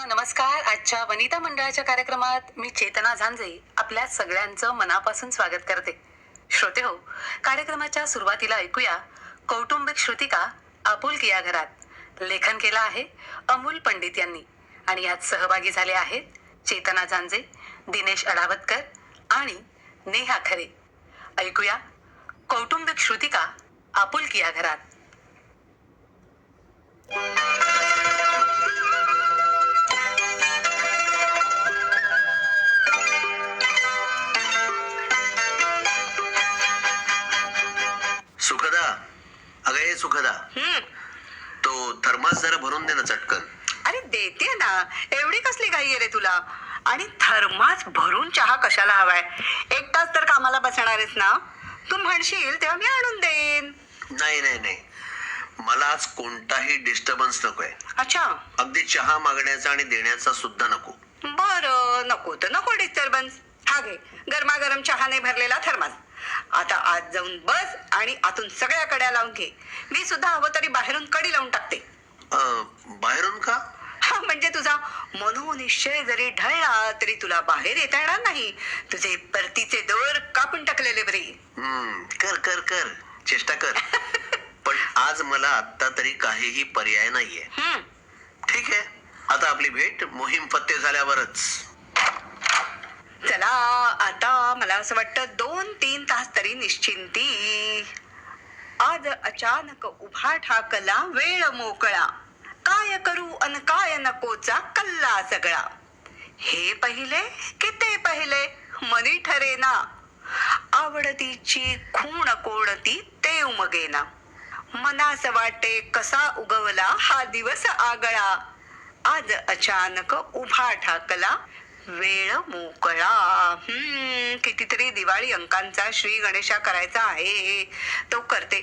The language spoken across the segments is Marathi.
श्रोत्यांनो नमस्कार. आजच्या वनिता मंडळाच्या कार्यक्रमात मी चेतना झांजे आपल्या सगळ्यांचं मनापासून स्वागत करते. श्रोते हो, कार्यक्रमाच्या सुरुवातीला ऐकूया कौटुंबिक श्रुतिका आपुलकी या घरात. लेखन केलं आहे अमोल पंडित यांनी आणि यात सहभागी झाले आहेत चेतना झांजे, दिनेश अडावतकर आणि नेहा खरे. ऐकूया कौटुंबिक श्रुतिका आपुलकी या घरात. सुखदा, अगं ये सुखदा, तो थर्मास जरा भरून दे ना चटकन. अरे देते ना, एवढी कसली घाई आहे रे तुला? आणि थर्मास भरून चहा कशाला हवाय? एकटाच तर कामाला बसणारेस ना, तू म्हणशील तेव्हा मी आणून देईन. नाही नाही नाही, मला आज कोणताही डिस्टर्बन्स नकोय. अच्छा, अगदी चहा मागण्याचा आणि देण्याचा सुद्धा नको. बरं, नको तर नको डिस्टर्बन्स. हा घे गरमागरम चहाने भरलेला थर्मास. आता आज जाऊन बस आणि आतून सगळ्या कड्या लावून घे. मी सुद्धा हवं तरी बाहेरून कडी लावून टाकते. बाहेरून का? हा, म्हणजे तुझा मनोनिश्चय जरी ढळला तरी तुला बाहेर येता येणार नाही. तुझे परतीचे दोर कापून टाकलेले बरे. कर कर कर, चेष्टा कर. पण आज मला आता तरी काहीही पर्याय नाहीये. ठीक आहे, आता आपली भेट मोहीम फत्ते झाल्यावरच. चला, आता मला असं वाटतं 2-3 तास तरी निश्चिंती. आज अचानक उभा ठाकला वेळ मोकळा, काय करू अन काय नकोचा कल्ला सगळा. हे पहिले की ते पहिले मनी ठरेना, आवडतीची खूण कोणती ते उमगेना. मनास वाटे कसा उगवला हा दिवस आगळा, आज अचानक उभा ठाकला वेळ मोकळा. कितीतरी दिवाळी अंकांचा श्री गणेशा करायचा आहे, तो करते.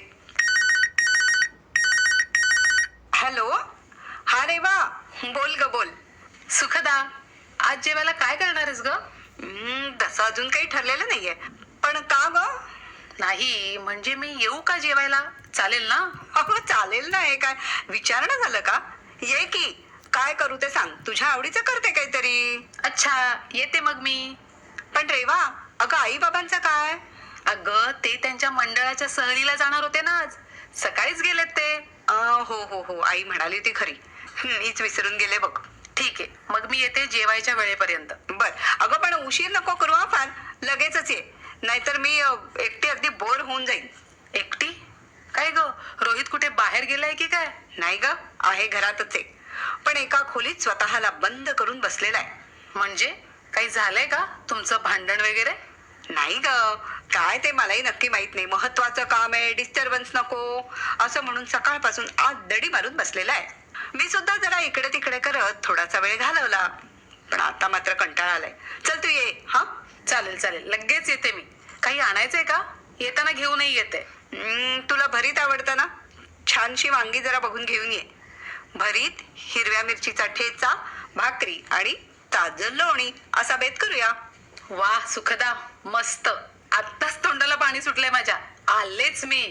हॅलो, हा रे वा, बोल ग बोल. सुखदा, आज जेवायला काय करणार आहेस ग? तसं अजून काही ठरलेलं नाहीये, पण का ग? नाही म्हणजे मी येऊ का जेवायला? चालेल ना? अहो चालेल ना, हे काय विचारणं झालं का? ये की, काय करू ते सांग, तुझ्या आवडीचं करते काहीतरी. अच्छा, येते मग मी. पण रेवा, अगं आई बाबांचं काय? अगं ते त्यांच्या मंडळाच्या सहलीला जाणार होते ना आज, सकाळीच गेलेत ते. हो हो हो, आई म्हणाली ती खरी, मीच विसरून गेले बघ. ठीक आहे, मग मी येते जेवायच्या वेळेपर्यंत. बर, अगं पण उशीर नको करू हा फार, लगेचच ये, नाहीतर मी एकटी अगदी बोर होऊन जाईन. एकटी? काय ग, रोहित कुठे बाहेर गेलाय की काय? नाही ग, आहे घरातच आहे, पण एका खोलीत स्वतःला बंद करून बसलेला आहे. म्हणजे काही झालंय का तुमचं भांडण वगैरे? नाही ग, काय ते मलाही नक्की माहित नाही. महत्वाचं काम आहे, डिस्टर्बन्स नको असं म्हणून सकाळपासून आज दडी मारून बसलेला आहे. मी सुद्धा जरा इकडे तिकडे करत थोडासा वेळ घालवला, पण आता मात्र कंटाळा आलाय. चल तू ये. हा चालेल चालेल, लगेच येते मी. काही आणायचंय का? येताना घेऊनही येते. तुला भरीत आवडतं ना, छानशी वांगी जरा बघून घेऊन ये. भरीत, हिरव्या मिरचीचा ठेचा, भाकरी आणि ताजं लोणी असा बेत करूया. वा सुखदा, मस्त. आत्ताच तोंडाला पाणी सुटलंय माझ्या. आलेच मी.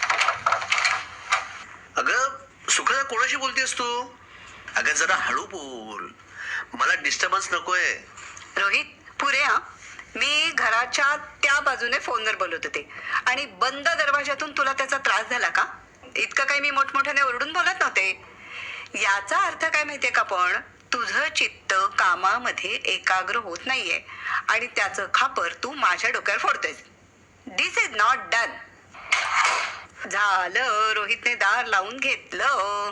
अगं सुखदा, कोणाशी बोलतेस तू? अगं जरा हळू बोल, मला डिस्टर्बन्स नकोय. रोहित, पुरे हा. मी घराच्या त्या बाजूने फोनवर बोलत होते आणि बंद दरवाजातून तुला त्याचा त्रास झाला का? इतकं काही मी मोठमोठ्याने ओरडून बोलत नव्हते. याचा अर्थ काय माहितीये का? पण तुझं चित्त कामामध्ये एकाग्र होत नाहीये आणि त्याचं खापर तू माझ्या डोक्यावर फोडतोयस. This is not done. झालं, रोहितने दार लावून घेतलं.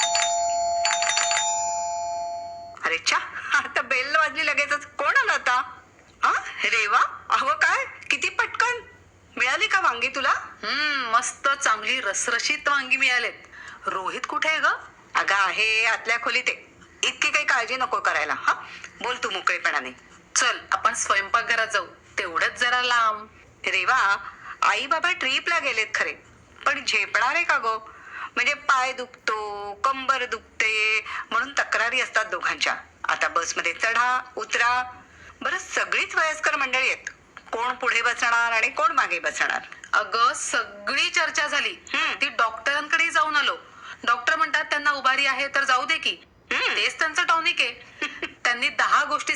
अरे चा, आता बेल वाजली लगेचच. कोण आला आता? हा, रेवा, अहो काय, किती पटकन मिळाली का वांगी तुला? मस्त चांगली रसरशीत वांगी मिळालेत. रोहित कुठे आहे ग? अगं आहे आतल्या खोलीत आहे. इतकी काही काळजी नको करायला. हा, बोल तू मोकळेपणाने. चल आपण स्वयंपाकघरात जाऊ, तेवढंच जरा लांब. रेवा, आई बाबा ट्रीपला गेलेत खरे, पण झेपणार आहे का गो? म्हणजे पाय दुखतो, कंबर दुखते म्हणून तक्रारी असतात दोघांच्या. आता बसमध्ये चढा उतरा. बरं, सगळीच वयस्कर मंडळी आहेत. कोण पुढे बसणार आणि कोण मागे बसणार? अगं सगळी चर्चा झाली. ती डॉक्टरांकडे जाऊन आलो. डॉक्टर म्हणतात त्यांना उभारी आहे तर जाऊ दे की. तेच त्यांचं टॉनिक आहे.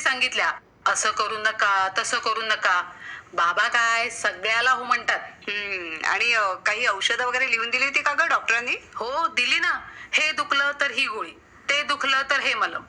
सांगितल्या, असं करू नका तसं करू नका. बाबा काय सगळ्याला हो म्हणतात. आणि काही औषधं वगैरे लिहून दिली होती का ग डॉक्टरांनी? हो दिली ना. हे दुखलं तर ही गोळी, ते दुखलं तर हे मलम.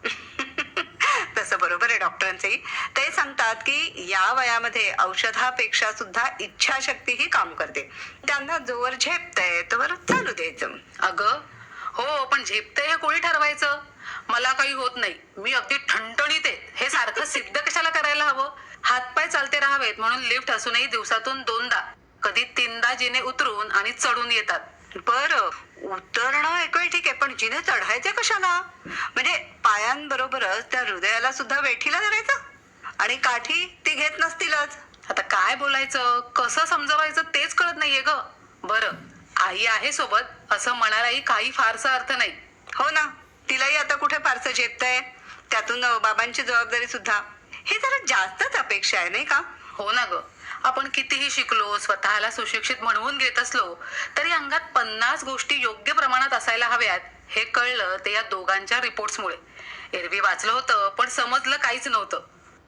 तसं बरोबर आहे डॉक्टरांचंही. ते सांगतात की या वयामध्ये औषधापेक्षा सुद्धा इच्छाशक्ती ही काम करते. त्यांना जोवर झेपतंय तोवर चालू द्यायचं. अगं हो, पण झेपते हे कोणी ठरवायचं? मला काही होत नाही, मी अगदी ठणठणीत आहे, हे सारखं सिद्ध कशाला करायला हवं? हातपाय चालते राहावेत म्हणून लिफ्ट असूनही दिवसातून 2दा, कधी 3दा जिने उतरून आणि चढून येतात. बरं, उतरणं एक वेळ ठीक आहे, पण जिने चढायचे कशाला? म्हणजे पायांबरोबरच त्या हृदयाला सुद्धा वेठीला धरायचं? आणि काठी ती घेत नसतीलच. आता काय बोलायचं, कसं समजवायचं तेच कळत नाहीये ग. बरं, आई आहे सोबत असं म्हणायलाही काही फारसा अर्थ नाही. हो ना, तिलाही आता कुठे फारसं झेपतंय. त्यातून बाबांची जबाबदारी सुद्धा. हे जरा जास्तच अपेक्षा आहे नाही का? हो ना ग. आपण कितीही शिकलो, स्वतःला सुशिक्षित म्हणवून घेत असलो तरी अंगात 50 गोष्टी योग्य प्रमाणात असायला हव्यात हे कळलं ते या दोघांच्या रिपोर्ट्समुळे. एरवी वाचलं होतं पण समजलं काहीच नव्हतं.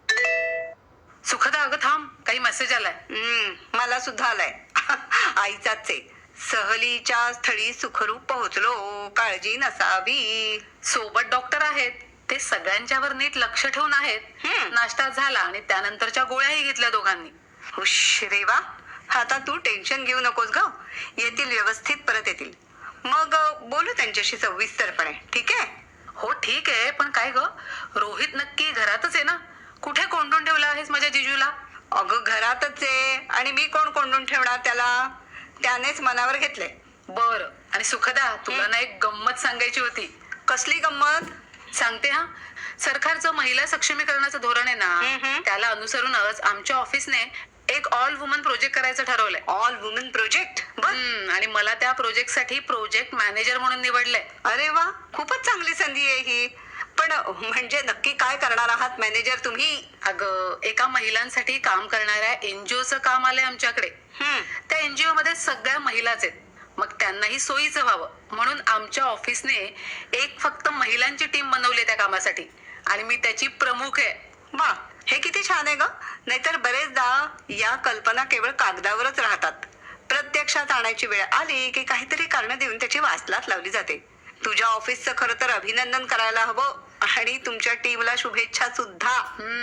सुखदा अगं थांब, काही मेसेज आलाय. मला सुद्धा आलाय. आईचाच आहे. सहलीच्या स्थळी सुखरूप पोहोचलो, काळजी नसावी. सोबत डॉक्टर आहेत, ते सगळ्यांच्यावर नीट लक्ष ठेवून आहेत. नाश्ता झाला आणि त्यानंतरच्या गोळ्याही घेतल्या दोघांनी. हुश रेवा, आता तू टेन्शन घेऊ नकोस ग. येतील व्यवस्थित, परत येतील. मग बोलू त्यांच्याशी सविस्तरपणे, ठीक आहे? हो ठीक आहे, पण काय ग, रोहित नक्की घरातच आहे ना? कुठे कोंडून ठेवला आहेस माझ्या जिजूला? अगं घरातच आहे, आणि मी कोण कोंडून ठेवणार त्याला? त्यानेच मनावर घेतलंय. बर, आणि सुखदा तुला ना एक गंमत सांगायची होती. कसली गंमत? सांगते हा. सरकारचं महिला सक्षमीकरणाचं धोरण आहे ना, त्याला अनुसरूनच आमच्या ऑफिसने एक ऑल वुमन प्रोजेक्ट करायचं ठरवलंय. All woman project? आणि मला त्या प्रोजेक्टसाठी प्रोजेक्ट मॅनेजर म्हणून निवडलंय. अरे वा, खूपच चांगली संधी आहे ही. पण म्हणजे नक्की काय करणार आहात मॅनेजर तुम्ही? अगं, एका महिलांसाठी काम करणाऱ्या एनजीओचं काम आलंय आमच्याकडे. त्या एनजीओ मध्ये सगळ्या महिलाच आहेत. मग त्यांनाही सोयीचं व्हावं म्हणून आमच्या ऑफिसने एक फक्त महिलांची टीम बनवली त्या कामासाठी, आणि मी त्याची प्रमुख आहे. वा, हे किती छान आहे ग. नाहीतर बरेचदा या कल्पना केवळ कागदावरच राहतात. प्रत्यक्षात आणायची वेळ आली की काहीतरी कारण देऊन त्याची वासलात लावली जाते. तुझ्या ऑफिसचं खरं तर अभिनंदन करायला हवं, आणि तुमच्या टीमला शुभेच्छा सुद्धा.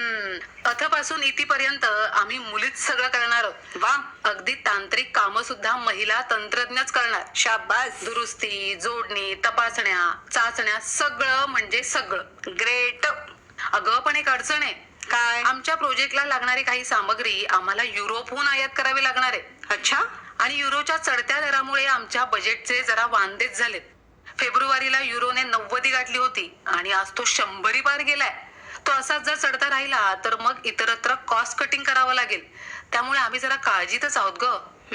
अथपासून इथपर्यंत आम्ही मुलीच सगळं करणार आहोत. वा, अगदी तांत्रिक कामं सुद्धा महिला तंत्रज्ञच करणार. शाबास. दुरुस्ती, जोडणी, तपासण्या, चाचण्या, सगळं म्हणजे सगळं. ग्रेट. अगं पण एक अडचण आहे. काय? आमच्या प्रोजेक्टला लागणारी काही सामग्री आम्हाला युरोपहून आयात करावी लागणार आहे. अच्छा. आणि युरोच्या चढत्या दरामुळे आमच्या बजेटचे जरा वांदेच झालेत. फेब्रुवारीला युरोने 90 गाठली होती आणि आज तो 100 पार गेलाय. तो असाच जर चढता राहिला तर मग इतरत्र कॉस्ट कटिंग करावं लागेल. त्यामुळे आम्ही जरा काळजीतच आहोत ग.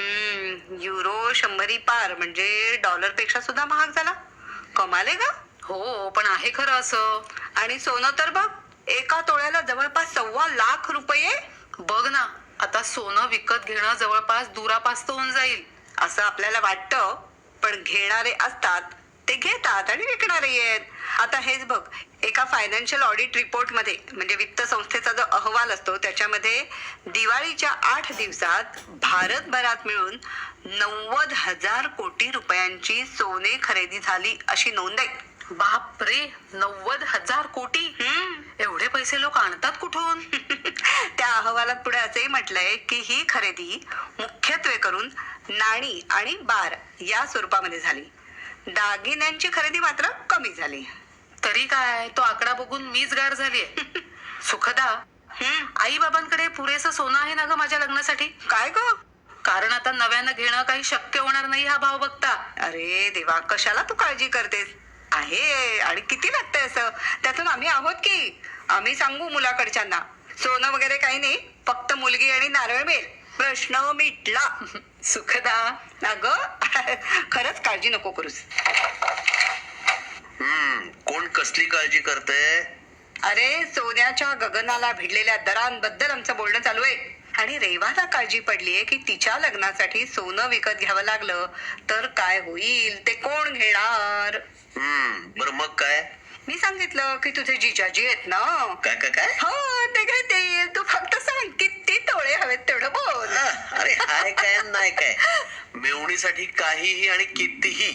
युरो 100 पार म्हणजे डॉलर पेक्षा सुद्धा महाग झाला. कमाल आहे का? हो, पण आहे खरं असं. आणि सोनं तर बघ, एका तोळ्याला जवळपास 1.25 लाख रुपये. बघ ना, आता सोनं विकत घेणं जवळपास दुरापास्त होऊन जाईल असं आपल्याला वाटतं, पण घेणारे असतात ते घेतात आणि विकणारे आहेत. आता हेच बघ, एका फायनान्शियल ऑडिट रिपोर्ट मध्ये, म्हणजे वित्त संस्थेचा जो अहवाल असतो त्याच्यामध्ये दिवाळीच्या 8 दिवसात भारतभरात मिळून 90,000 कोटी रुपयांची सोने खरेदी झाली अशी नोंद आहे. बाप रे, 90,000 कोटी. एवढे पैसे लोक आणतात कुठून? त्या अहवालात पुढे असंही म्हटलंय की ही खरेदी मुख्यत्वे करून नाणी आणि बार या स्वरूपामध्ये झाली. दागिन्यांची खरेदी मात्र कमी झाली. तरी काय, तो आकडा बघून मीच गार झालीये. सुखदा, आई बाबांकडे पुरेसं सोनं आहे ना ग माझ्या लग्नासाठी? काय ग? कारण आता नव्यानं घेणं काही शक्य होणार नाही हा भाव बघता. अरे देवा, कशाला तू काळजी करतेस? आहे, आणि किती लागतंय असं? त्यातून आम्ही आहोत की. आम्ही सांगू मुलाकडच्यांना, सोनं वगैरे काही नाही, फक्त मुलगी आणि नारळ मिळेल, प्रश्न मिटला. सुखदा, अगं खरंच काळजी नको करूस. कोण कसली काळजी करतंय? अरे, सोन्याच्या गगनाला भिडलेल्या दरांबद्दल आमचं बोलणं चालू आहे. आणि रेवाला काळजी पडलीये की तिच्या लग्नासाठी सोनं विकत घ्यावं लागलं तर काय होईल, ते कोण घेणार? बरं मग काय? मी सांगितलं की तुझे जिजाजी आहेत ना. काय काय काय हो ते घेतील. तू फक्त सांग किती तोळे हवेत तेवढं बोल. अरे हाय काय नाही काय मेवणीसाठी काहीही आणि कितीही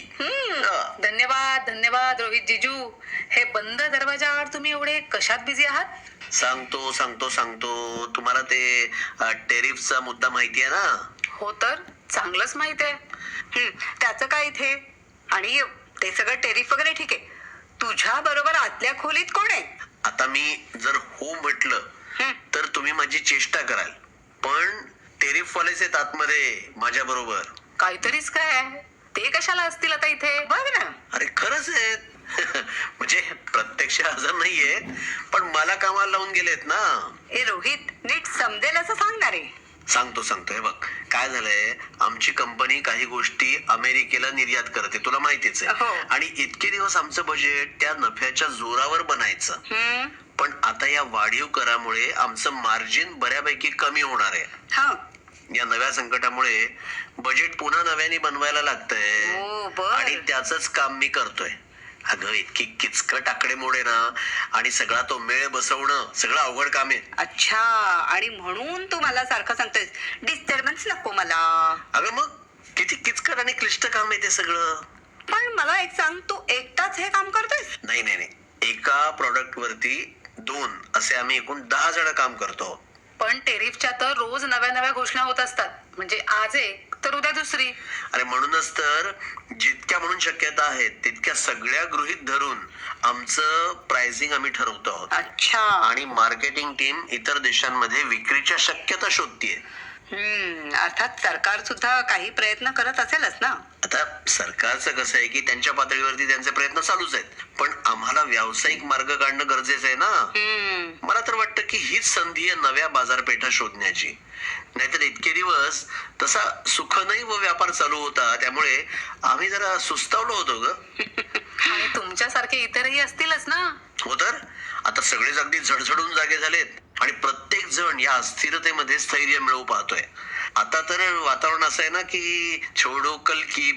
धन्यवाद धन्यवाद रोहित जिजू. हे बंद दरवाजाआड तुम्ही एवढे कशात बिझी आहात? सांगतो सांगतो सांगतो तुम्हाला ते टेरिफचा मुद्दा माहिती आहे ना. हो तर चांगलंच माहित आहे. त्याचं काय इथे? आणि ते सगळं टेरिफ वगैरे ठीक आहे. तुझ्या बरोबर आतल्या खोलीत कोण आहे? आता मी जर हो म्हटलं तर तुम्ही माझी चेष्टा कराल, पण टेरिफ वालेच आहेत आतमध्ये माझ्या बरोबर. काहीतरीच काय ते कशाला असतील आता इथे? बघ ना. अरे खरंच आहेत. म्हणजे प्रत्यक्ष हजर नाहीये, पण मला कामाला लावून गेलेत ना. ए रोहित, नीट समजेल असं सांगणार आहे. सांगतो हे बघ काय झालंय. आमची कंपनी काही गोष्टी अमेरिकेला निर्यात करते, तुला माहितीच हो. आहे. आणि इतके दिवस आमचं बजेट त्या नफ्याच्या जोरावर बनायचं, पण आता या वाढीव करामुळे आमचं मार्जिन बऱ्यापैकी कमी होणार आहे. हा. या नव्या संकटामुळे बजेट पुन्हा नव्याने बनवायला लागतंय ओ, बर. आणि त्याच काम मी करतोय. अगं इतकी किचकट आकडेमोड आहे ना, आणि सगळा तो मेळ बसवणं सगळं अवघड काम आहे. अच्छा, आणि म्हणून तू मला सारखं सांगतोय डिस्टर्बन्स नको मला. अगं मग किती किचकट आणि क्लिष्ट काम आहे ते सगळं. पण मला एक सांग, तू एकटाच हे काम करतोयस? नाही एका प्रॉडक्ट वरती 2 असे आम्ही एकूण 10 जण काम करतो. पण टेरिफच्या तर रोज नव्या नव्या घोषणा होत असतात. म्हणजे आज एक तर उद्या दुसरी. अरे म्हणूनच तर जितक्या म्हणून शक्यता आहेत तितक्या सगळ्या गृहीत धरून आमचं प्राइसिंग आम्ही ठरवतो आहोत. अच्छा. आणि मार्केटिंग टीम इतर देशांमध्ये विक्रीच्या शक्यता शोधतीये. अर्थात सरकार सुद्धा काही प्रयत्न करत असेलच ना. आता सरकारचं कसं आहे की त्यांच्या पातळीवरती त्यांचे प्रयत्न चालूच आहेत, पण आम्हाला व्यावसायिक मार्ग काढणं गरजेचं आहे ना. मला तर वाटतं की हीच संधी आहे नव्या बाजारपेठा शोधण्याची. नाहीतर इतके दिवस तसा सुखनही व व्यापार चालू होता, त्यामुळे आम्ही जरा सुस्तावलो होतो ग. आणि तुमच्यासारखे इतरही असतीलच ना. हो तर आता सगळेच अगदी झडझडून जागे झालेत आणि प्रत्येक जण या अस्थिरतेमध्ये स्थैर्य मिळवू पाहतोय. आता तर वातावरण असं आहे ना की छोडो कल की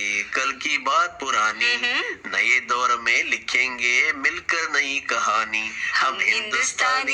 बात पुरानी, नए दौर में लिखेंगे मिलकर नई कहानी, हम हिंदुस्तानी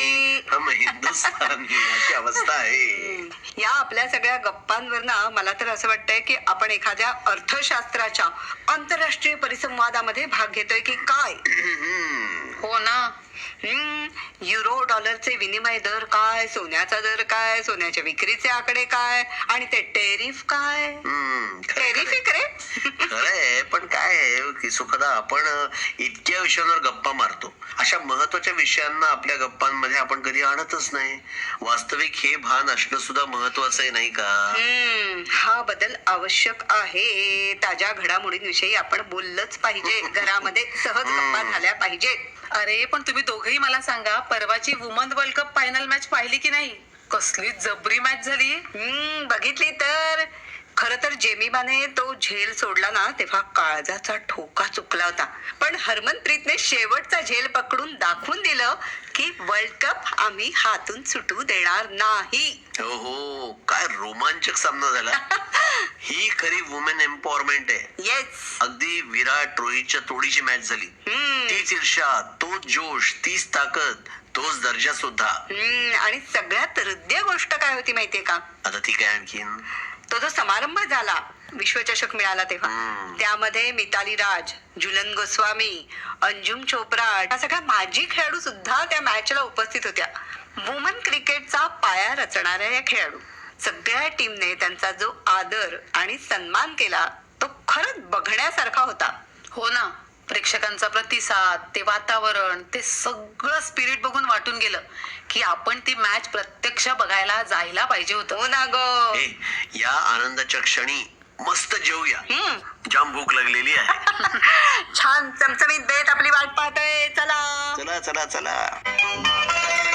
अशी अवस्था आहे. या आपल्या सगळ्या गप्पांवर ना मला तर असं वाटतंय की आपण एखाद्या अर्थशास्त्राच्या आंतरराष्ट्रीय परिसंवादामध्ये भाग घेतोय की काय. हो ना. युरो डॉलरचे विनिमय दर काय, सोन्याचा दर काय, सोन्याच्या विक्रीचे आकडे काय, आणि ते टेरिफ काय. टेरिफ रे. खरंय, पण काय आहे की सुखदा आपण इतक्या विषयांवर गप्पा मारतो, अशा महत्वाच्या विषयांना आपल्या गप्पांमध्ये आपण कधी आणतच नाही. वास्तविक हे भान असणं सुद्धा महत्वाचं आहे नाही का. हा बदल आवश्यक आहे. ताज्या घडामोडींविषयी आपण बोललंच पाहिजे. घरामध्ये सहज गप्पा झाल्या पाहिजेत. अरे पण तुम्ही दोघही मला सांगा, परवाची woman world cup final match पाहिली की नाही? कसली जबरी मॅच झाली. बघितली तर. खर तर जेमिमाने तो झेल सोडला ना तेव्हा काळजाचा ठोका चुकला होता, पण हरमनप्रीतने शेवटचा झेल पकडून दाखवून दिलं की वर्ल्ड कप आम्ही हातून सुटू देणार नाही. हो, काय रोमांचक सामना झाला. ही खरी वुमेन एम्पॉवरमेंट आहे. येस. अगदी विराट रोहितच्या तोडीची मॅच झाली. तीच ईर्ष्या, तोच जोश, तीच ताकद, तोच दर्जा सुद्धा. आणि सगळ्यात हृदय गोष्ट काय होती माहितीये का? आता ती काय आणखीन? तो जो समारंभ झाला, विश्वचषक मिळाला तेव्हा, त्यामध्ये मिताली राज, झुलन गोस्वामी, अंजुम चोप्रा या सगळ्या माजी खेळाडू सुद्धा त्या मॅचला उपस्थित होत्या. वुमन क्रिकेटचा पाया रचणाऱ्या या खेळाडू सगळ्या टीमने त्यांचा जो आदर आणि सन्मान केला तो खरंच बघण्यासारखा होता. हो ना. प्रेक्षकांचा प्रतिसाद, ते वातावरण, ते सगळं स्पिरिट बघून वाटून गेलं की आपण ती मॅच प्रत्यक्ष बघायला जायला पाहिजे होतं. हो ना ग. या आनंदाच्या क्षणी मस्त जेवूया. जाम भूक लागलेली आहे. छान चमचमीत देत आपली वाट पाहतोय. चला चला चला चला.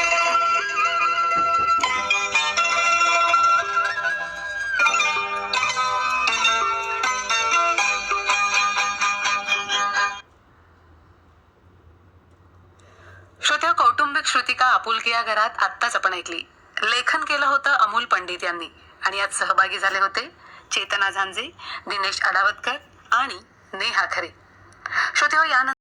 श्रोत्या, कौटुंबिक श्रुतिका आपुलकी या घरात आत्ताच आपण ऐकली. लेखन केलं होतं अमोल पंडित यांनी, आणि यात सहभागी झाले होते चेतना झांजे, दिनेश अडावतकर आणि नेहा खरे. श्रोत्या, यानंतर